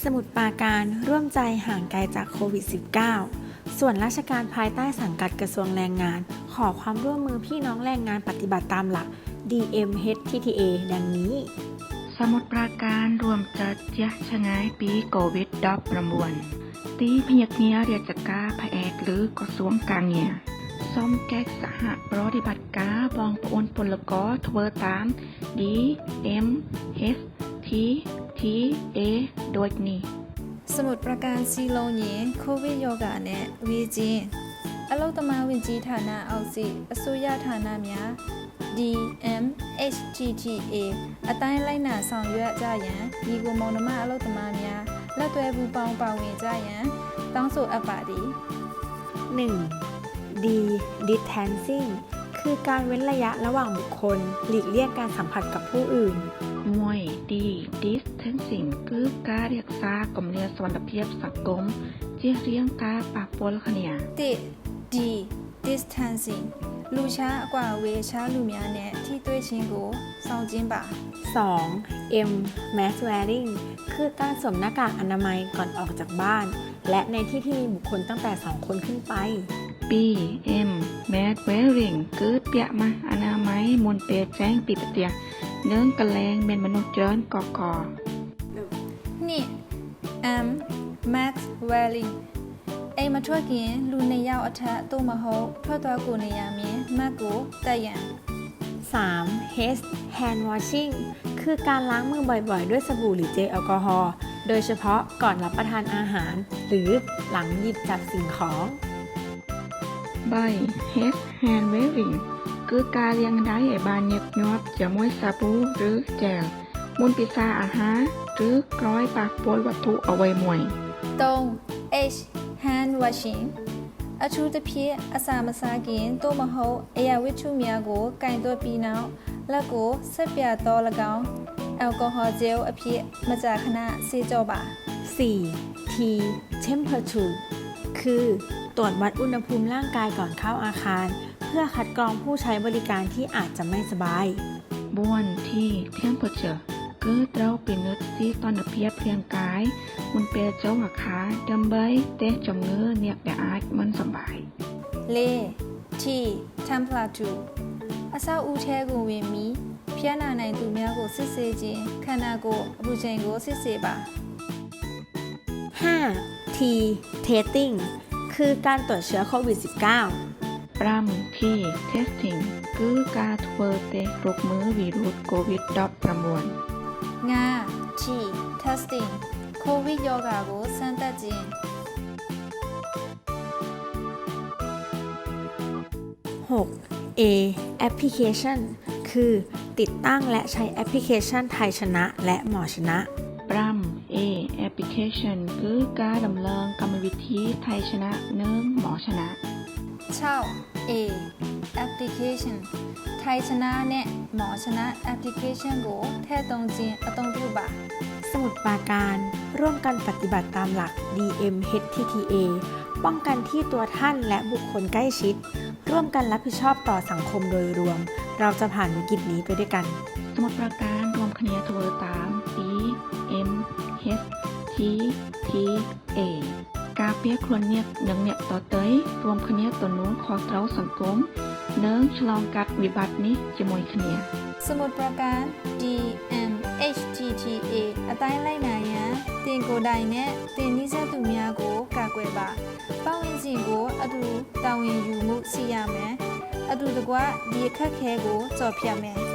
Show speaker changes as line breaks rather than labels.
สมุทรปราการร่วมใจห่างไกลจากโควิด -19 ส่วนราชการภายใต้สังกัดกระทรวงแรงงานขอความร่วมมือพี่น้องแรงงานปฏิบัติตามหลัก DMHTTA ดังนี้
สมุทรปราการรวมจัดยะชะงายปีโควิด-19 ตีพยักเนียเรียกการแพทย์หรือกระทรวงการเงียซ่อมแก้สหปฏิบัติการบองปนพลกทเวตาม DMHTTA โดยนี้
สมุทรปราการစီလုံးရင်ကိုဗစ်ရောဂါနဲ့ဝေချင်းအလုတ္တမဝင်ကြီးဌာနအောက်စီအစိုးရဌာနများ DMHTTA အတိုင်းလိုက်နာဆောင်ရွက်ကြရန်ဒီကိုမောင်နှမအလုတ္တမများလက်တွဲပူးပေါင်းပါဝင်ကြရန်တောင်းဆိုအပ်ပါသည်
1. D. Distancing คือการเว้นระยะระหว่างบุคคลหลีกเลี่ยงการสัมผัสกับผู้อื่น
มวย D. Distancing คือการรักษากำเนิดสวัสดิภาพสังคมเจียเรียงการปะปนขณี
D. Distancing လူช้าအကွာအဝေးช้าလူများနဲ့ထိတွေ့ခြင်းကိုစောင့်ခြင်းပါ
2. M. Mask wearing คือการสวมหน้ากากอนามัยก่อนออกจากบ้านและในที่ที่มีบุคคลตั้งแต่2 คนขึ้นไป
B. M. Mask wearing คือเปียมาอนามัยมนเปแจ้งปีปะเตียเนื่องกระแลงเป็นมนุษย์เจริญกอกอ
นี่ M. Mask wearing အိမ်မထွက်ခင်လူ2ယောက်အထက်သို့မဟုတ်ထွက်သွားကိုနေရမည်မတ်ကိုတက်ရန်
3. H. Hand washing คือการล้างมือบ่อยๆด้วยสบู่หรือเจลแอลกอฮอล์โดยเฉพาะก่อนรับประทานอาหารหรือหลังหยิบจับสิ่งของ
ใบ H. Hand wearing คือการเลี้ยงได้ไอ้บานเย็บยอบจะมวยสบู่หรือเจลมุนปิซาอาหารหรือกร้อยปากปนวัตถุเอาไว้มวย
3. H. Hand washing အထူးသဖြင့်အစာမစားခင်သို့မဟုတ်အရာဝတ္ထုများကိုကင်သွက်ပြီးနောက်လက်ကိုဆက်ပြတော့၎င်းแอลกอฮอล์เจลအဖြစ်မကြာခဏဆေးကြောပါ
4. T. Temperature คือตรวจวัดอุณหภูมิร่างกายก่อนเข้าอาคารเพื่อคัดกรองผู้ใช้บริการที่อาจจะไม่สบาย
บ้วนที่ Temperature คือเราเป็นนึกที่ตอนเพียบเรียงกายมันเป็นเจ้าหักขาดำใบเตะจมเงือเนี่ยแต่อาจมันสบาย
4. T. Temperature အဆောက်အဦထဲကိုဝင်ပြီးဖျက်နာနိုင်သူများကိုစစ်ဆေးခြင်းခန္ဓာကိုယ်အပူချိန်ကိုစစ်ဆေးပါ
5. T. Testing คือการตรวจเชื้อโควิด -19
ปรามที่ Testing คือการทดเตะรกมือวีรุสโควิด-19
5. T. Testing ကိုဗစ်ရောဂါကိုစမ်းသပ်ခြင်း
6. A. Application คือติดตั้งและใช้แอปพลิเคชันไทยชนะและหมอชนะ
ปราม A. Application คือการดำเนินกรรมวิธีไทยชนะเนื่องหมอชนะ
6. A. Application ไทยชนะနဲ့หมอชนะ Application ကိုထည့်သွင်းခြင်းအသုံးပြုပါ
สมุทรปราการร่วมกันปฏิบัติตามหลัก DMHTTA ป้องกันที่ตัวท่านและบุคคลใกล้ชิดร่วมกันรับผิดชอบต่อสังคมโดยรวมเราจะผ่านวิกฤตนี้ไปด้วยกัน
สมุทรปราการรวมคณีทเวตาม DMHTTA การเปียครวนเนียกหนึ่งเนี่ยต่อเตยรวมคณีตัวนู้นขอเต้าสังคมเนื่องฉลองกัดวิบัตินี้จะมวยคณี
สมุทรปราการ DMHTTA အတိုင်းလိုက်နိုင်ရန်တင်ကိုယ်တိုင်နဲ့တင်နည်းစပ်သူများကိုကာကွယ်ပါပတ်ဝန်းကျင်ကိုအတူတာဝန်ယူမှုရှိရမယ်အတူတကွဒီအခက်ခဲကိုကြော်ဖြတ်မယ်